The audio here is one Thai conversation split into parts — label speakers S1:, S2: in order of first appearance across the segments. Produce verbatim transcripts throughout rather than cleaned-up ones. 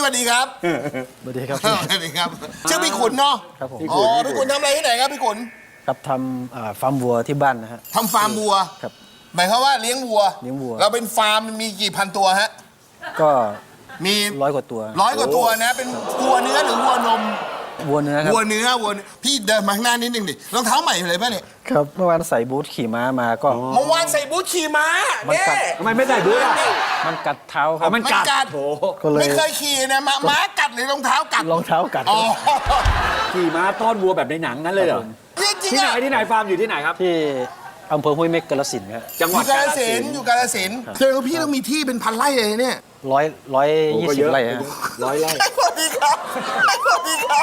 S1: วัสดีครับ
S2: สวัสดีครับ
S1: สวัสดีครับชื่อพี่ขุนเนาะ
S2: ครับผม
S1: อ๋อพี่ขุนทำอะไรที่ไหนครับพี่ขุน
S2: ครับทำอ่าฟาร์มวัวที่บ้านนะฮะ
S1: ทำฟาร์มวัว
S2: ครับ
S1: หมายความว่าเลี้ยงวัว
S2: เลี้ยงวัว
S1: เราเป็นฟาร์มมีกี่พันตัวฮะ
S2: ก็
S1: มี
S2: ร้อยกว่าตัว
S1: ร้อยกว่าตัวนะเป็นวัวเนื้อหรือวัวนม
S2: วัวเนื้อครับ
S1: วัวเนื้อวัวเนื้อพี่เดินมาข้างหน้านิดนึงดิรองเท้าใหม่เลยป่ะเนี่ย
S2: ครับเมื่อวานใส่บูทขี่ม้ามาก็
S1: เมื่อวานใส่บูทขี่ม้า
S2: มัน
S1: เนี่
S2: กัด
S1: ย
S3: ทำไมไม่ใส่บูทอ่ะ
S2: มันกัดเท้าครับ
S3: มันกัด
S1: กัด
S3: โถ
S2: ก็เลย
S1: ไม่เคยขี่นะม้าม้ากัดหรือรองเท้ากัด
S2: รองเท้ากัด
S1: อ๋อ
S3: ขี่ม้าต้อนวัวแบบในหนังนั้นเลยเหรอ
S1: จริง
S3: ที่
S1: ๆ
S3: ไหน
S1: อะ
S3: ที่ไหนฟาร์มอยู่ที่ไหนครับ
S2: ที่อำเภอห้วยเม็กกาฬสินธุ์ครับ
S3: จังห
S1: อ
S3: วัด
S1: ยู่กาฬ
S3: ฬ
S1: สินธุ์อยู่กาฬสินธุ์เจอพี่ต้องมีที่เป็นพันไร่เลยเนี่ย
S2: ร้อยร้อย
S3: โอ้
S2: ยี่
S3: ก็
S2: สิ
S3: เย
S2: บ
S3: อะ
S2: ไร่ฮะ
S3: ร้อยไร่
S1: สวัสดีครับสวัสดีครับ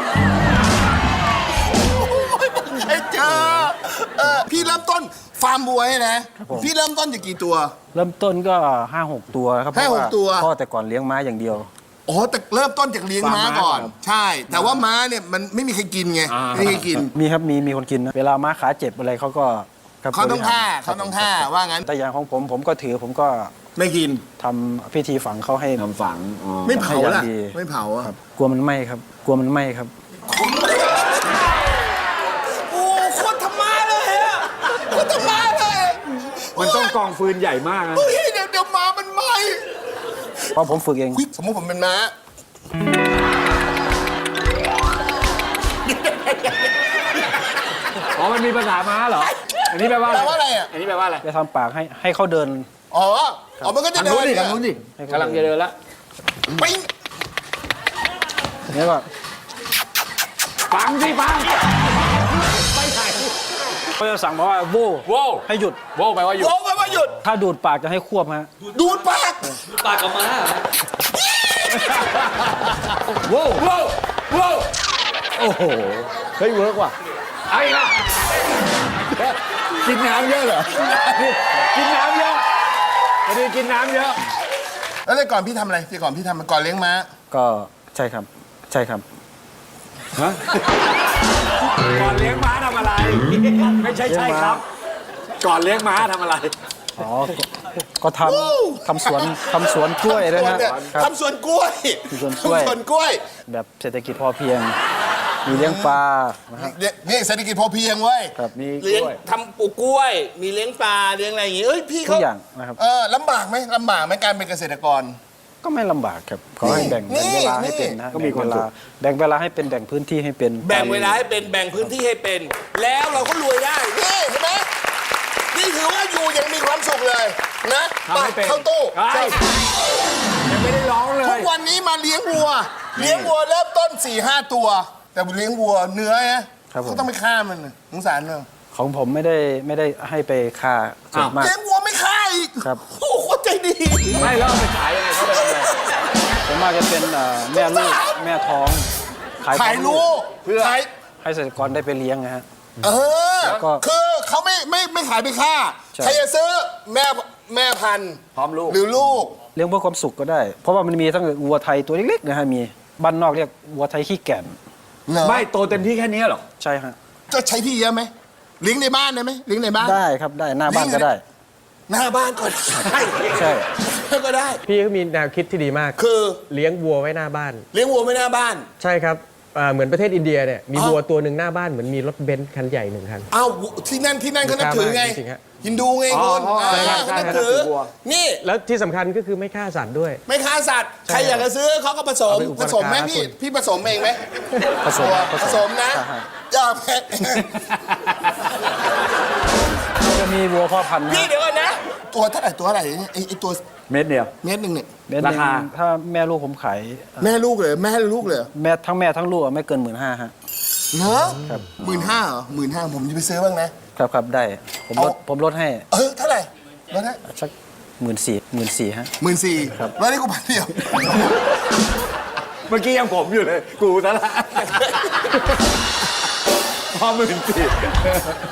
S1: ไอ้เจอเออพี่เริ่มต้นฟาร์มบัวเนี่ยนะ พี่เริ่มต้นจากกี่ตัว
S2: เริ่มต้นก็ห้าหกตัวครับ
S1: ห้าหก
S2: เพระ
S1: ตัว
S2: พ่อแต่ก่อนเลี้ยงม้าอย่างเดียว
S1: อ๋อแต่เริ่มต้นจากเลี้ยงม้าก่อน ใช่ แต่ว่าม้าเนี่ยมันไม่มีใครกินไงไม่มีใครกิน
S2: มีครับมีมีคนกินนะเวลาม้าขาเจ็บอะไรเขาก็ครับ
S1: เขาต้อง
S2: บริหร
S1: ฆ่า
S2: ครั
S1: เขา
S2: บ
S1: ต้องฆ่าว่างั้น
S2: แต่อย่างของผมผมก็ถือผมก็
S1: ไม่กิน
S2: ทำพิธีฝังเขาให้
S3: ทำฝังอ๋อ
S1: ไม่เผา
S2: ให้อย่า
S1: ล่ะ
S2: งดี
S1: ไม่เผาอ่ะ
S2: ครับกลัวมันไหม้ครับ กลัวมันไหม้ครับ
S1: โอ้โคตรธรรมะเลยอะโคตรธรรมะเลย
S3: มันต้องกองฟืนใหญ่มากนะ
S1: เฮ้ยเดี๋ยวเดี๋ยวม้ามันไหม
S2: เพราะผมฝึกเอง
S1: อุ๊ยสมมติผมเป็นม้า
S3: อ๋อมันมีภาษาม้าเหรออันนี้แปลว่า
S1: แป
S3: อะไร
S1: ลว่าอะไรอ่ะ
S3: อันนี้แปลว่าอะไร
S2: จะทำปากให้ให้เขาเดิน
S1: อ๋ออ๋อมันก็จะ
S3: ทาง
S1: เดิ
S3: นู้น
S1: น
S3: ดิทางนู้นดิกำลังจะเดินละ
S1: ปิ้ง
S2: นี่ก็
S3: ฟังสิฟัง
S2: เขาจะสั่งมาว่าโว้
S3: โว้ว
S2: ให้หยุด
S3: โว้วแปลว่าหยุด
S1: โอ้ไปว่าหยุด
S2: ถ้าดูดปากจะให้ควบฮะ
S1: ดูดปาก
S3: โว้วโว้วโว้วโอ้โหเฮ้ยเวิร์กว่ะไอ้ละกินน้ำเยอะเหรอกินน้ำเยอะพอดีกินน้ำเยอะ
S1: แล้วแต่ก่อนพี่ทำอะไรแต่ก่อนพี่ทำก่อนเลี้ยงม้า
S2: ก็ใช่ครับ ใช่ครับ
S3: ฮะก่อนเลี้ยงม้าทำอะไร ไม่ใช่ใช่ครับ ก่อนเลี้ยงม้าทำอะไร
S2: อ๋อก็ก็ทำทำสวนทำสวนกล้วยด้วย
S1: สวน
S2: นะ
S1: เนี่ย
S2: ครับ
S1: ทำสวนกล้วย
S2: สวนกล้วย
S1: ทำสวนกล้วย
S2: แบบเศรษฐกิจพอเพียง มีเลี้ยงปลานะฮะ
S1: เนี่ยนี่เศรษฐกิจพอเพียงเว้ย
S2: ครับ
S3: มีก
S1: เลี้ยง
S3: ล้วย
S1: ทำปลูกกล้วย มีเลี้ยงปลาเลี้ยงอะไรอย่างงี้เอ้ยพี่
S2: ทุ
S1: เขา
S2: กอย่างนะครับ
S1: เออลำบากไหมลำบากไหมการเป็นเกษตรกร
S2: ก็ไม่ลำบากครับขอให้แบ่ง
S1: นี่
S2: แบ่งเวลา
S1: นี่
S2: ให้เป็นนะฮะ
S3: ก็มีความ
S2: แบ่งเว
S3: สุ
S2: ลา
S3: ข
S2: แบ่งเวลาให้เป็นแบ่งพื้นที่ให้เป็น
S1: แบ่งเวลาให้เป็นแบ่งพื้นที่ให้เป็น แล้วเราก็รวยได้นี่เห็นไหมนี่ถือว่าอยู่ยังมีความสุขเลยนะ
S3: ทำให้เป็น
S1: เข้าตู้
S3: ใช่ยังไม่ได้ร้องเล
S1: ทุ
S3: ย
S1: กวันนี้มาเลี้ยงวัว เลี้ยงวัวเริ่มต้น4ี่ห้าตัว แต่เลี้ยงวัวเนื้อนะเขาต้องไปฆ่ามันน่ะสงสารเนอะ
S2: ของผมไม่ได้ไม่ได้ให้ไปค่าส่วนมาก
S1: เลี้ยงวัวไม่ฆ่าอีก
S2: ครับ
S1: โอ้โหโคตรใจดี
S3: ไม่แล้วเอาไปขายยังไงเขาไปทำอะไร
S2: ส่วนมากจะเป็นเอ่อแม่ลูกแม่ท้อง
S1: ขาย
S2: ท้อง
S1: ลูก
S3: เพื่อ
S1: ขาย
S2: ให้เกษตรกรได้ไปเลี้ยงนะฮะ
S1: เออ
S2: แล้วก็
S1: คือเขาไม่ไม่ไม่ขายไปฆ่า
S2: ใช่
S1: ใครจะซื้อแม่แม่พันธุ์
S3: พร้อมลูก
S1: หรือลูก
S2: เลี้ยงเพื่อความสุขก็ได้ เพราะว่ามันมีทั้งวัวไทยตัวเล็กๆนะฮะมีบ้านนอกเรียกวัวไทยขี้แก่น
S1: เหรอ
S3: ไม่โตเต็มที่แค่นี้เหรอ
S2: ใช่ฮะ
S1: จะใช้ที่เยอะไหมเลี้ยงในบ้านได้ไหมเลี้ยงในบ้าน
S2: ได้ครับได้หน้าบ้านก็ได้
S1: หน้าบ้านก็ได้
S2: ใช่
S1: ก็ได้
S4: พี่ก็มีแนวคิดที่ดีมาก
S1: คือ
S4: เลี้ยงวัวไว้หน้าบ้าน
S1: เลี้ยงวัวไม่หน้าบ้าน
S4: ใช่ครับอ่าเหมือนประเทศอินเดียเนี่ยมี
S1: อ๋อ
S4: วัวตัวหนึ่งหน้าบ้านเหมือนมีรถเบนซ์คันใหญ่หนึ่งคัน
S1: อ้าวที่นั่นที่นั่นเขานับถือไง
S4: จริงๆฮะ
S1: ฮินดูไง
S3: อ๋อ
S1: คุณ
S3: อ๋อใช่
S1: อ่า
S3: ใช่
S1: เขานับ
S3: ใช่
S1: ถือ
S3: นับถือวัว
S1: นี่
S4: แล้วที่สำคัญก็คือไม่ฆ่าสัตว์ด้วย
S1: ไม่ค้าสัตว์ใครอยากจะซื้อเขาก็ผสม
S4: เอาไปอุป
S1: ผ
S4: การะ
S1: สมไหมพี่
S4: คุณ
S1: พี่ผสมเองไหม
S2: ผสม
S1: ผสมนะ
S2: ใช่ฮะ
S1: อย่าแพ้
S2: จะมีวัวพ่อพันธุ์นะ
S1: พี่เดี๋ยวก่อนนะ ตัวเท่าไหร่ตัวเท่าไหร่ไอ้ไอ้ตัว
S3: เม็ดเดียว
S1: เมตรหนึ่งเนี่ย
S2: เดือนหนึ่ง
S3: ราคา
S2: ถ้าแม่ลูกผมขาย
S1: แม่ลูกเลยแม่ลูกเลย
S2: แม่ทั้งแม่ทั้งลูกอะไม่เกินหมื่นห้าฮะ
S1: เนอะ
S2: ครับ
S1: หมื่นห้าเหรอหมื่นห้าผมจะไปซื้อบ้างนะครับ
S2: ครับได้ผมลด
S1: เอา
S2: ผมลดให้
S1: เออเท่าไหร่แล้วนะ
S2: สักหมื่นสี่หมื่นสี่ฮะ
S1: หมื่นสี่
S2: ครับ
S1: แล้วนี่กูพันเดียว
S3: เมื่อกี้ยังผมอยู่เลย กูซะละพอหมื่นสี่